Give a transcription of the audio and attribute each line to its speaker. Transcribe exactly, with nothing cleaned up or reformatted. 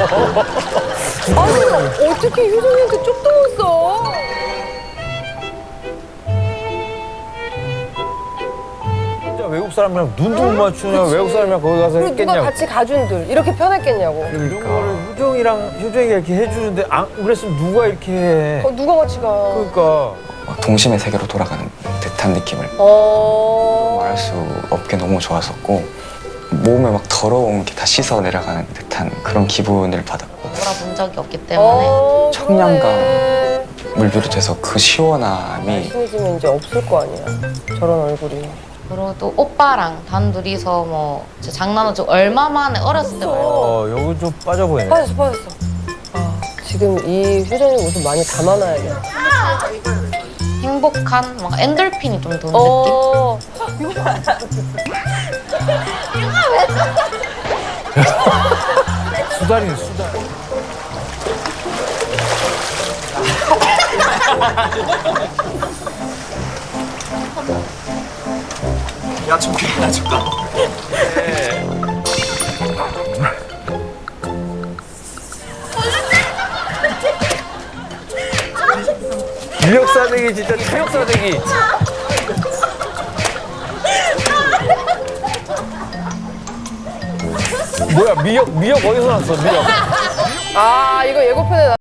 Speaker 1: 아니, 어떻게 효정이한테 쪽도 못 써?
Speaker 2: 진짜 외국 사람이랑 눈도 못 맞추냐. 외국 사람이랑 거기 가서
Speaker 1: 그리고 누가
Speaker 2: 했겠냐고.
Speaker 1: 같이 가준들 이렇게 편했겠냐고.
Speaker 2: 이런 거를 효정이랑 효정이가 이렇게 해주는데 안 그랬으면 누가 이렇게 해.
Speaker 1: 어, 누가 같이 가?
Speaker 2: 그러니까.
Speaker 3: 막 동심의 세계로 돌아가는 듯한 느낌을
Speaker 1: 어.
Speaker 3: 말할 수 없게 너무 좋았었고 몸에 막 더러운 게 다 씻어 내려가는 듯한 그런 기분을 받았고
Speaker 4: 놀아본 적이 없기 때문에
Speaker 1: 어,
Speaker 3: 청량감.
Speaker 1: 그러네.
Speaker 3: 물 비롯해서 그 시원함이
Speaker 1: 친해지면 이제 없을 거 아니야. 저런 얼굴이.
Speaker 4: 그리고 또 오빠랑 단둘이서 뭐 진짜 장난은 좀 얼마 만에 어렸을 때 말고
Speaker 2: 어, 여기 좀 빠져 보이네.
Speaker 1: 빠졌어, 빠졌어. 아, 지금 이 효정이 모습 많이 담아놔야 돼.
Speaker 4: 행복한 막 엔돌핀이 좀 도는 느낌?
Speaker 1: 어.
Speaker 2: 수달이네, 수달.
Speaker 5: 야, 좀 그래, 좀 가.
Speaker 2: 미역 싸대기 진짜 미역 싸대기. 뭐야 미역 미역 어디서 났어 미역?
Speaker 1: 아, 이거 예고편에 나.